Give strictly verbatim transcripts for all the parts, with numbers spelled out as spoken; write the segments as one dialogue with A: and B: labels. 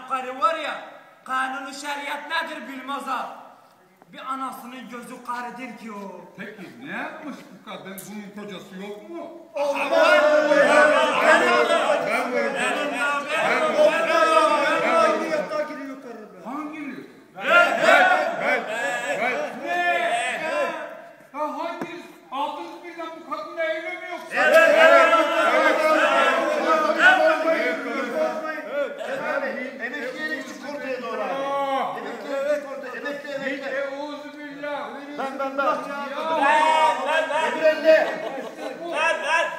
A: denen karı var ya, kanunu şeriat nedir bilmez ha. Bir anasının gözü karıdır ki o.
B: Peki ne yapmış bu kadın? Bunun kocası yok mu?
A: Olmaz.
B: Hanginiz? Ben, ben, ben. Ne? Ya hanginiz? Aldınız birden bu kadınla evleniyor. Evet, evet,
C: evet. Emekliye çık ortaya doğru. Emekliye çık ortaya. Emekli, emekli.
B: Euzubillah.
C: Ben, ben, ben.
A: Ben, ben, ben.
C: Öbür elde.
A: Ben, ben.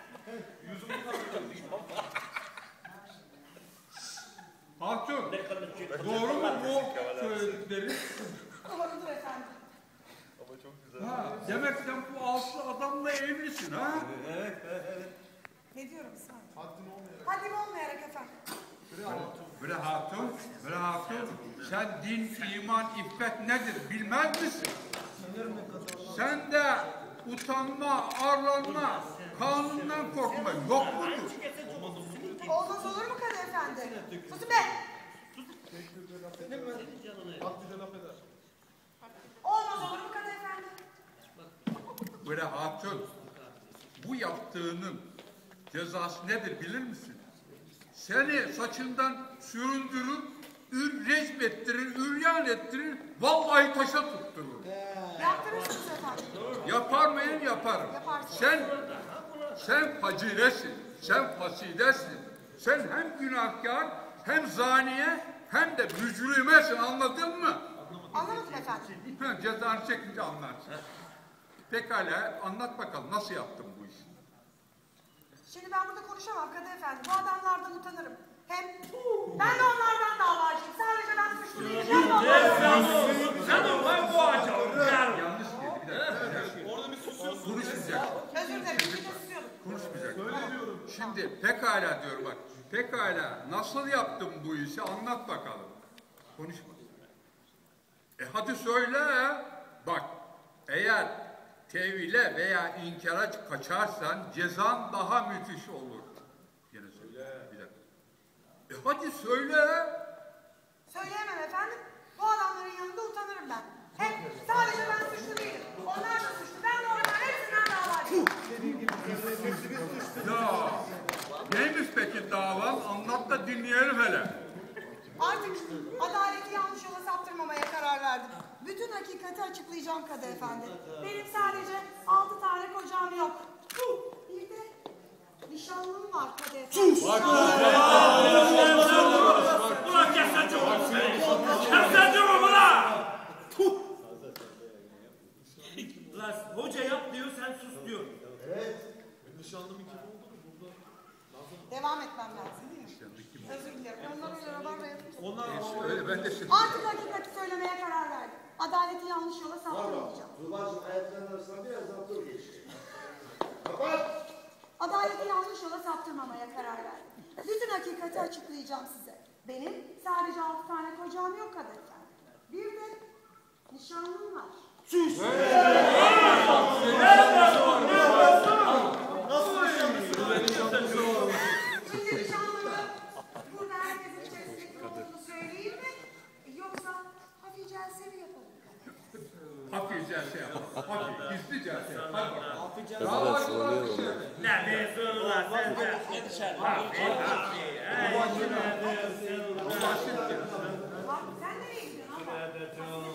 B: Hatun, doğru mu bu söyledikleri?
D: Doğrudur efendim.
E: Ama çok güzel.
B: Ha, demek sen bu altı adamla evlisin ha?
C: Evet, evet.
D: Ne diyorum sen? Haddim olmayarak efendim.
B: Bre hatun, bre hatun, sen din, iman, iffet nedir bilmez misin? Sen de utanma, arlanma, kanundan korkma yok mudur?
D: Olmaz olur mu kadı efendi? Susun be! Olmaz olur mu kadı efendi?
B: Bre hatun, bu yaptığının cezası nedir bilir misin? Seni saçından süründürür, ür rezmettirir, üryan ettirir, vallahi taşa tutturur.
D: Yaptırırsınız efendim.
B: Yapar mıyım? Yaparım.
D: Yaparsın.
B: Sen, sen faciresin, sen fasidesin. Sen hem günahkar, hem zaniye, hem de mücrimesin, anladın mı?
D: Anlamadım efendim.
B: Ha, cezanı çekince anlarsın. Pekala, anlat bakalım nasıl yaptın bu işi?
D: Şimdi ben burada konuşamam kadı efendi. Bu adamlardan utanırım. Hem ben de onlardan davacıyım. Sadece ben suçlu değilim. Ben de onlardan.
A: Sen o ben bu ağaca.
B: Yanlış dedi, bir dakika. Orada bir susuyorsun. Konuşmayacaksın.
D: Özür dilerim. Bir de susuyordum.
B: Konuşmayacaksın. Şimdi pekala diyor bak. Pekala nasıl yaptın bu işi anlat bakalım. Konuşma. E hadi söyle. Bak eğer tevhile veya inkara kaçarsan cezan daha müthiş olur. Yine söyle. Bir dakika. E hadi söyle.
D: Söyleyemem efendim. Bu adamların yanında utanırım ben. Hem sadece ben suçlu değilim. Onlar da suçlu. Ben de onların hepsinden davacıyım.
B: Ya neymiş peki davan? Anlat da dinleyelim hele.
D: Artık adaleti yanlış yola saptırmamaya karar verdim. Bütün hakikati açıklayacağım kadı efendi. Benim sadece altı tane kocam yok. Bir de nişanlım var kadı efendi.
A: Ulan kesenci oğlum seni. Kesenci oğlum ulan. Ulan hoca yap diyor sen sus diyor.
D: Devam etmem lazım değil mi? Özür dilerim. Onlar öyle rabarba yapınca.
B: Onlar öyle ben de şimdi.
D: Artık hakikati söylemeye karar verdim. Adaleti yanlış yola saptırmayacağım.
C: Tuğba'cığım ayaklarının arasından biraz daha dur geç. Kapat!
D: Adaleti yanlış yola saptırmamaya karar verdim. Bütün hakikati açıklayacağım size. Benim sadece altı tane kocam yok kadı efendi. Bir de nişanlım var.
C: Sus! Nasıl nişanlısın?
D: Şimdi nişanlımı burada herkesin içerisinde olduğunu söyleyeyim mi? Yoksa hafif celseli yapalım.
B: Hafif celse yapalım. Hafif, gizli celse yapalım. Hadi bakalım. Daha başlar bir şey.
A: Ne diyorsun ulan sen de? Hafi hafi.
B: Bu basit ya.
D: Bak sen nereye gidiyorsun ama?